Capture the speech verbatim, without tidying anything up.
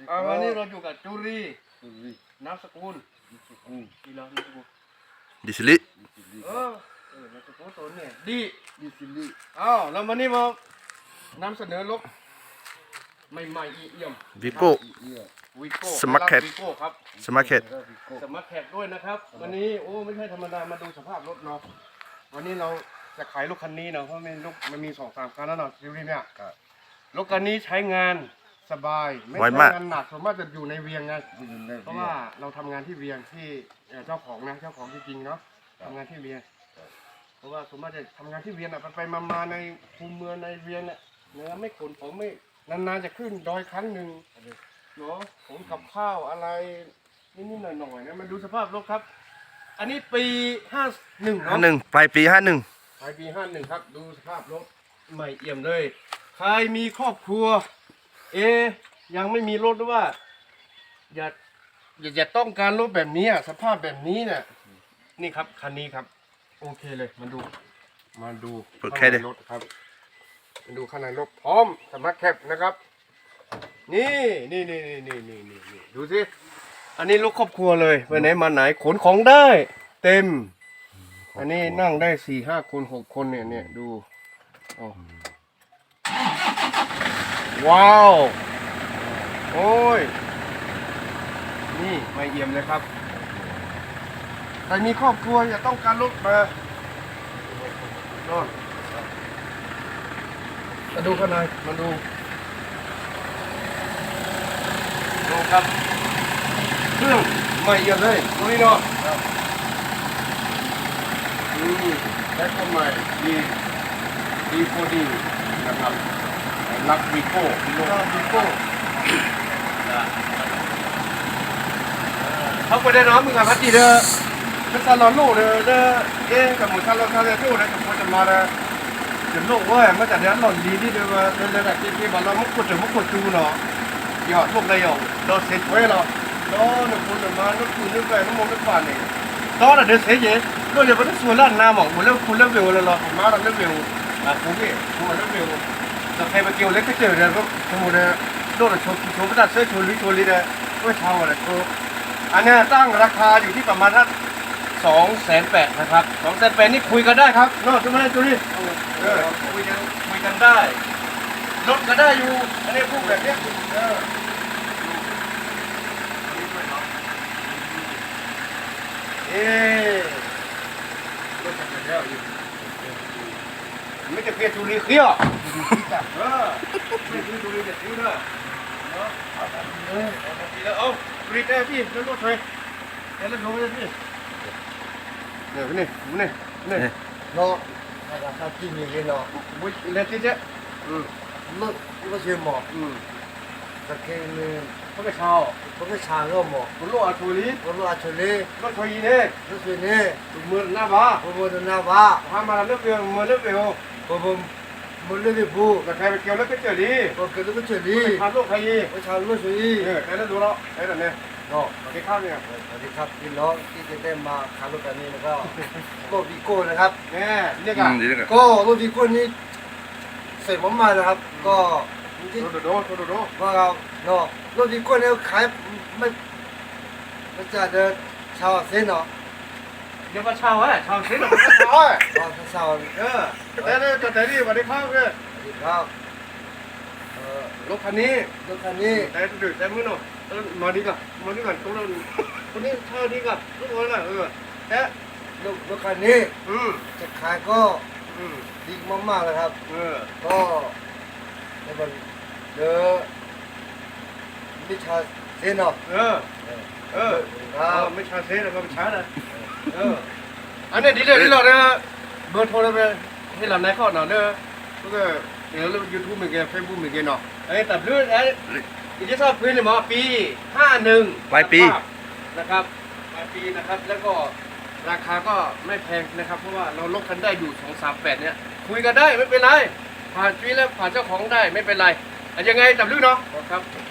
อ่าวันนี้เราอยู่กับจุรีนามสกุลดีแล้วนามสกุลดิสลิเออเออนามสกุลตัวเนี่ยดีดิสิลิอ้าวแล้ววันนี้มานำเสนอรถใหม่ๆอีเอี่ยมวิโก้วิโก้สมาร์ทแคทวิโก้ครับสมาร์ทแคทสมาร์ทแคทด้วยนะครับวันนี้โอ้ไม่ใช่ธรรมดามาดูสภาพรถเนาะวันนี้เราจะขายรถคันนี้เนาะเพราะมันรถมันมีสองสามคันแล้วเนาะซีรีส์เนี่ยรถคันนี้ใช้งานสบายไม่ใช้งานหนักส่วนมากจะอยู่ในเวียงไงเพราะว่าเราทำงานที่เวียงที่เจ้าของนะเจ้าของจริงๆเนาะทำงานที่เวียงเพราะว่าส่วนมากจะทำงานที่เวียงอ่ะไปๆมาๆในภูมิเมืองในเวียงเนี่ยเนื้อไม่ขนผมไม่นานๆจะขึ้นดอยครั้งหนึ่งเนาะผมกับข้าวอะไรนิดๆหน่อยๆนะมาดูสภาพรถครับอันนี้ปีห้าหนึ่งห้าเนาะหนึ่งปลายปีห้าหนึ่งปลายปีห้าหนึ่งครับดูสภาพรถใหม่เอี่ยมเลยใครมีครอบครัวเอยังไม่มีรถหรือว่าอย่าอย่าอย่าต้องการรถแบบนี้อ่ะสภาพแบบนี้เนี่ยนี่ครับคันนี้ครับโอเคเลยมาดูมาดูเปิดแค่เดียวรถครับมาดูข้างในรถพร้อมสมาร์ทแคปนะครับนี่นี่นี่นี่นี่นี่นี่ดูสิอันนี้รถครอบครัวเลยไปไหนมาไหนขนของได้เต็มอันนี้นั่งได้สี่ห้าคนหกคนเนี่ยเนี่ยดูโอ้ว้าวโอ้ยนี่ไม่เอี่ยมเลยครับใครมีครอบครัวอย่าต้องการรถมาโน่นมาดูข้างในมาดูดูครับเครื่องไม่เอี่ยมเลยดูนี่เนาะอืมแท็กใหม่ดีดีโฟดีนะครับลักวิโก้ลักวิโก้เขาไปได้น้องมึงอะพัดดีเด้อเป็นซาลอนโล่เด้อเด้อเอ๊ะกับหมูซาลอนซาเลโต้เด้อกับคนจะมาเด้อจะโลกเว้ยมันจะเดี๋ยวหล่อนดีที่เด้อเด้อเด้อแบบที่ที่บ้านเรามุกกดถึงมุกกดจูเนาะยอดพวกได้ยอดเราเสร็จไว้แล้วเราหนึ่งคนจะมานึกคืนนึกไปน้ำมันนึกฝันเนี่ยตอนนั้นเดี๋ยวเสียเยอะก็เดี๋ยวมันจะส่วนล้านน้ำหมอกหมดแล้วคุณเลิกเร็วแล้วเราผมมาเราเลิกเร็วอ่ะผมเนี่ยผมเลิกเร็วแต่ใครมาเกี่ยวเล็กก็เจอเดี๋ยวก็สมมติเนี่ยโดนชนชนประดับเสื้อชนลิชนลิเนี่ยก็เช่าอะไรก็อันนี้ตั้งราคาอยู่ที่ประมาณสักสองแสนแปดนะครับสองแสนแปดนี่คุยกันได้ครับเนาะใช่ไหมตัวนี้เออคุยกันคุยกันได้ลดกันได้อยู่อันนี้พูดแบบเนี้ยเออเอ๊ะรถจักรยานอยู่ไม่จะเพียรทุเรียนเขี้ยวเออไม่ทุเรียนเด็ดดิ้วเด้อเนาะเออเอาทีแล้วเอาทุเรียนได้พี่แล้วรถไฟแล้วรถโน้ตพี่เนี่ยพี่นี่นี่นี่เนาะราคากินอย่างนี้เนาะวิ่งเล็กจิ๊ดอืมรถก็เชื่อหมอกอืมตะเคียนเนี่ยเขาไปเช่าเขาก็ชาก็หมอกคุณลูกอาชูรีรถอาชลีรถไฟเนี่ยรถเสียเนี่ยถูกมือหน้าบ้าผมบอกนะว่าพามาเลือกเดียวมือเลือกเดียวผมผมมันเลยไม่พูดแต่ใครไปเกี่ยวแล้วก็เจอดีผมเกิดก็เฉลี่ยพาลูกใครยีประชาชนสวยเออแค่นั้นดูแล้วไอ้นั่นเนี่ยเนาะสวัสดีครับเนี่ยสวัสดีครับพี่น้องที่จะได้มาขายรถกันนี้แล้วก็ก็วีโก้นะครับแน่เรียกอือ่ะมดีเลยก็รถวีโก้นี้เสร็จผมมานะครับ ก็ที่โดโดโดโดโดว่าเราเนาะรถวีโก้เนี่ยขายไม่ไม่จะเดินชาวเส้นเนาะเดี๋ยวมาเช่าอ่ะเช่าเซ็นหรือมาเช่าอ่ะอ๋อชาวเออแต่เนี่ยแต่นี่สวัสดีครับเนี่ยสวัสดีครับเอ่อรถคันนี้รถคันนี้แต่ดูแต่มือหน่อยมาดีก่อนมาดีก่อนตรงนั้นคนนี้เช่าดีก่อนทุกคนน่ะเออแต่รถรถคันนี้อืมจะขายก็อืมดีมากๆเลยครับเออก็ในวันเดอมิชาเซนเนาะเออ เออครัเออบ ไม่ชาเซ่แล้วก็ไม่ชานะเอออันนี้ดีเลยดีเลยนะเบอร์โทรเลยไปให้เราในข้อหน่อยเนอะแล้วก็เดี๋ยวเรายูทูบเหมือนกันเฟซบุ๊กเหมือนกันเนาะไอ้แต่เรื่องไอ้อีที่ชอบพื้นเลยหมอปีห้าหนึ่งปลายปีนะครับปลายปีนะครับแล้วก็ราคาก็ไม่แพงนะครับเพราะว่าเราลดกันได้อยู่สองสามแปดเนี่ยคุยกันได้ไม่เป็นไรผ่านชีวิตแล้วผ่านเจ้าของได้ไม่เป็นไรอันยังไงจับลื่นเนาะครับ